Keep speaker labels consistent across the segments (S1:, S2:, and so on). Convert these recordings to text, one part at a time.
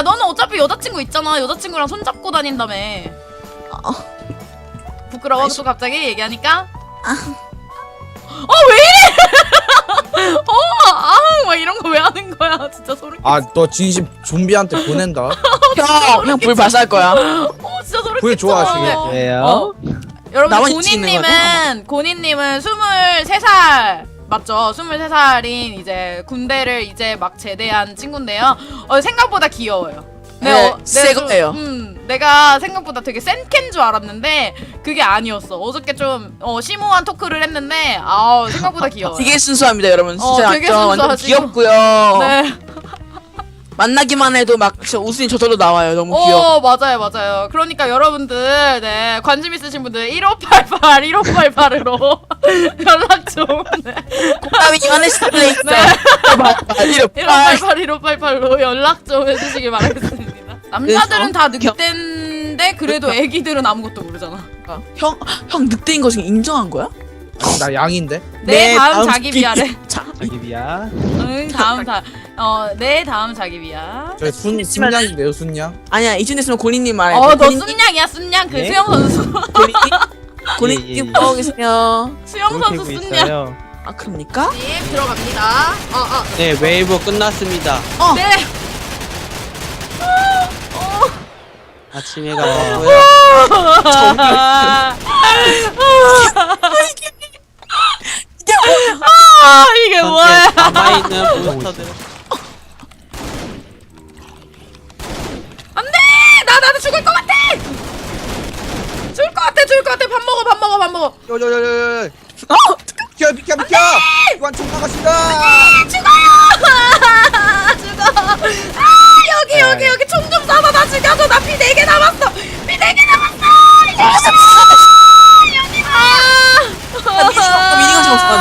S1: 너는 어차피 여자친구 있잖아. 여자친구랑 손잡고 다닌다며. 부끄러워 또 갑자기 얘기하니까? 왜 이래? 막 이런 거 왜 하는 거야? 진짜 소름 끼쳐.
S2: 아, 너 진심 좀비한테 보낸다.
S3: 형 불 발사할 거야.
S1: 진짜 소름
S2: 불
S1: 끼쳐.
S2: 좋아하시게.
S4: 왜요?
S1: 여러분
S3: 나만 있는 거네?
S1: 고니님은 23살 맞죠? 23살인 이제 군대를 이제 막 제대한 친구인데요. 생각보다 귀여워요.
S3: 네, 새 거예요.
S1: 내가 생각보다 되게 센 캔 줄 알았는데 그게 아니었어. 어저께 좀 심오한 토크를 했는데 생각보다 귀여워요.
S3: 되게 순수합니다, 여러분. 진짜
S1: 되게
S3: 완전
S1: 순수하시고.
S3: 귀엽고요.
S1: 네.
S3: 만나기만 해도 막 진짜 웃음이 저절로 나와요. 너무 귀여워.
S1: 맞아요. 그러니까 여러분들, 네, 관심 있으신 분들 1588으로 연락 좀. 네.
S3: 땀이 하네스플레이스.
S1: 네. 1588로 연락 좀 해주시길 바라겠습니다. 남자들은 다 늑대인데 그래도 애기들은 아무것도 모르잖아.
S3: 형 늑대인 거 지금 인정한 거야?
S2: 아니, 나 양인데.
S1: 내 다음 자기 비하래.
S4: 자기비야.
S1: 응, 내 다음 자기 비하.
S2: 저 순양인데요, 순양.
S3: 아니야, 이쯤 됐으면 고니님 말해.
S1: 너 순양이야, 순양. 그
S4: 네?
S1: 수영 선수.
S3: 고니님 보고 계세요.
S1: 수영 선수
S4: 그러고
S1: 순양.
S4: 있어요.
S3: 아, 그럽니까?
S1: 네, 들어갑니다.
S4: 네, 웨이브 끝났습니다.
S1: 네.
S4: 아침에 가고요.
S1: 이게 뭐야?
S4: 남아있는 몬스터들.
S1: 안돼! 나도 죽을 것 같아! 죽을 것 같아. 밥 먹어.
S2: 요요요요요. 비켜. 완총 나가신다.
S1: 죽어. 여기 총 좀 쏴서 나 죽여줘. 나 피 4개 남았어.
S3: 미니건 좀 없어.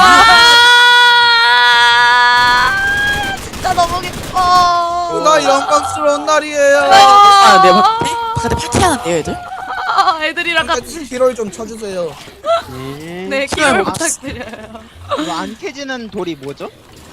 S1: 진짜 너무 기뻐.
S2: 오늘 영광스러운 날이에요.
S3: 네, 바깥에 파티하는데요, 애들?
S1: 애들이랑 같이.
S2: 키로를 좀 쳐주세요.
S1: 네, 기회를 부탁드려요.
S5: 이거 안 캐지는 돌이 뭐죠?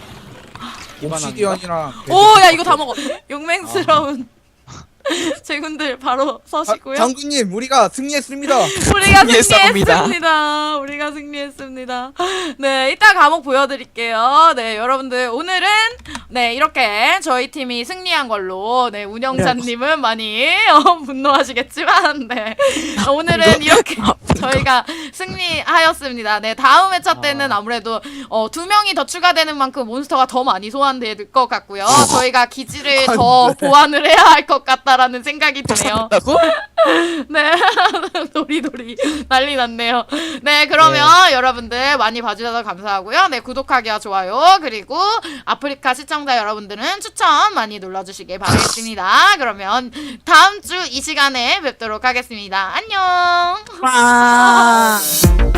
S2: 옵시디언이랑.
S1: 야 이거 다 먹어. 용맹스러운 제군들 바로 서시고요.
S2: 장군님, 우리가 승리했습니다.
S1: 우리가
S3: 승리했습니다.
S1: 승리했습니다. 네, 이따 과목 보여드릴게요. 네, 여러분들 오늘은 네 이렇게 저희 팀이 승리한 걸로 네 운영자님은 많이 분노하시겠지만 네 오늘은 이렇게 저희가 승리하였습니다. 네, 다음 회차 때는 아무래도 2명이 더 추가되는 만큼 몬스터가 더 많이 소환될 것 같고요. 저희가 기지를 더 보완을 해야 할 것 같다라는 생각이 드네요. 네, 도리도리 난리 났네요. 네, 그러면 여러분들 많이 봐주셔서 감사하고요. 네, 구독하기와 좋아요 그리고 아프리카 시청자 여러분들은 추천 많이 눌러주시길 바라겠습니다. 그러면 다음 주 이 시간에 뵙도록 하겠습니다. 안녕.
S3: 와.